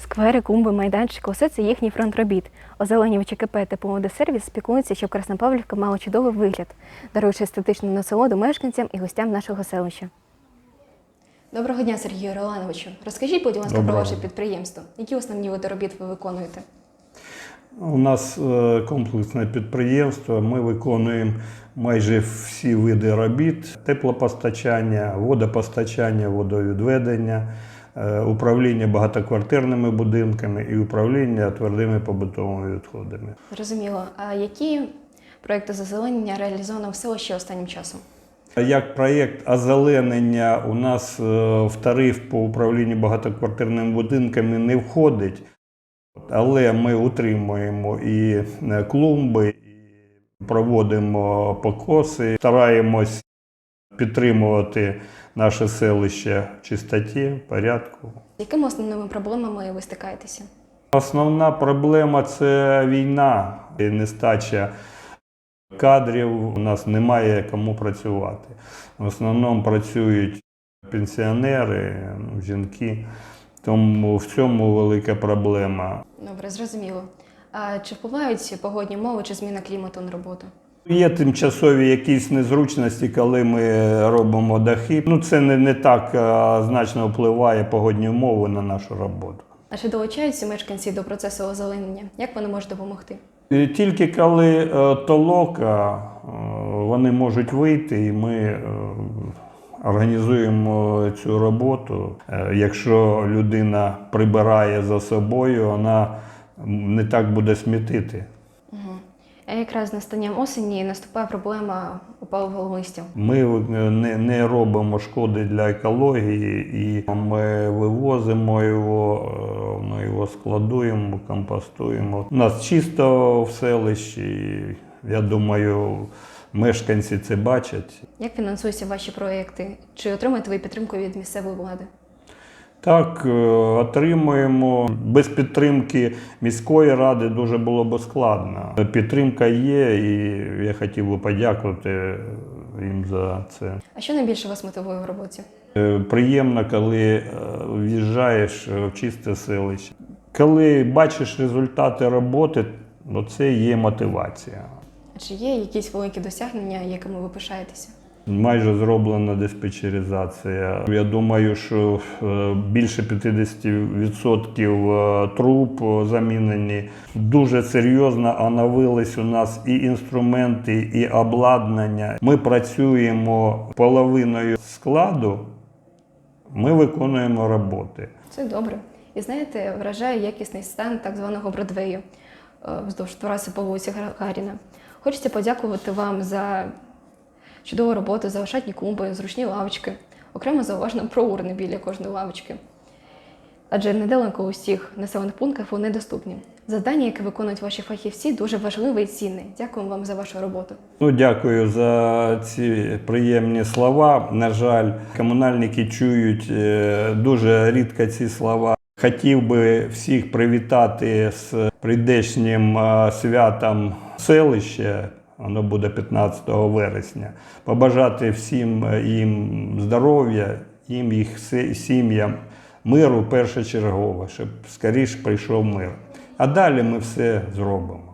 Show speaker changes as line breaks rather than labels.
Сквери, клумби, майданчики – усе це їхній фронт робіт. Озеленювачі КП та «Помодосервіс» піклуються, щоб Краснопавлівка мала чудовий вигляд, даруючи естетичну насолоду мешканцям і гостям нашого селища. Доброго дня, Сергію Ролановичу. Розкажіть, будь ласка, про ваше підприємство. Які основні види робіт ви виконуєте?
У нас комплексне підприємство. Ми виконуємо майже всі види робіт: теплопостачання, водопостачання, водовідведення, управління багатоквартирними будинками і управління твердими побутовими відходами.
Зрозуміло. А які проекти зазеленення реалізовано в селищі останнім часом?
Як проєкт озеленення у нас в тариф по управлінню багатоквартирними будинками не входить, але ми утримуємо і клумби, і проводимо покоси, стараємось підтримувати наше селище в чистоті, порядку.
Якими основними проблемами ви стикаєтеся?
Основна проблема – це війна і нестача кадрів. У нас немає кому працювати. В основному працюють пенсіонери, жінки. Тому в цьому велика проблема.
Добре, зрозуміло. А чи впливають погодні умови чи зміна клімату на роботу?
Є тимчасові якісь незручності, коли ми робимо дахи. Це не так значно впливає погодні умови на нашу роботу.
А чи долучаються мешканці до процесу озеленення? Як вони можуть допомогти?
Тільки коли толока, вони можуть вийти, і ми організуємо цю роботу. Якщо людина прибирає за собою, вона не так буде смітити.
А якраз з настанням осені наступає проблема опалого листя.
Ми не робимо шкоди для екології, і ми вивозимо його, ми його складуємо, компостуємо. У нас чисто в селищі, я думаю, мешканці це бачать.
Як фінансуються ваші проекти? Чи отримуєте ви підтримку від місцевої влади?
Так, отримуємо. Без підтримки міської ради дуже було б складно. Підтримка є, і я хотів би подякувати їм за це.
А що найбільше вас мотивує в роботі?
Приємно, коли в'їжджаєш в чисте селище. Коли бачиш результати роботи, це є мотивація.
А чи є якісь великі досягнення, якими ви пишаєтеся?
Майже зроблена диспетчеризація. Я думаю, що більше 50% труб замінені. Дуже серйозно оновились у нас і інструменти, і обладнання. Ми працюємо половиною складу, ми виконуємо роботи.
Це добре. І знаєте, вражає якісний стан так званого Бродвею вздовж траси по вулиці Гагаріна. Хочеться подякувати вам за чудову роботу, за ошатні клумби, зручні лавочки. Окремо зауважно про урни біля кожної лавочки. Адже недалеко у всіх населених пунктах вони доступні. Завдання, яке виконують ваші фахівці, дуже важливе і цінне. Дякуємо вам за вашу роботу.
Дякую за ці приємні слова. На жаль, комунальники чують дуже рідко ці слова. Хотів би всіх привітати з прийдешнім святом селища. Воно буде 15 вересня. Побажати всім їм здоров'я, їх сім'ям, миру першочергово, щоб скоріше прийшов мир. А далі ми все зробимо.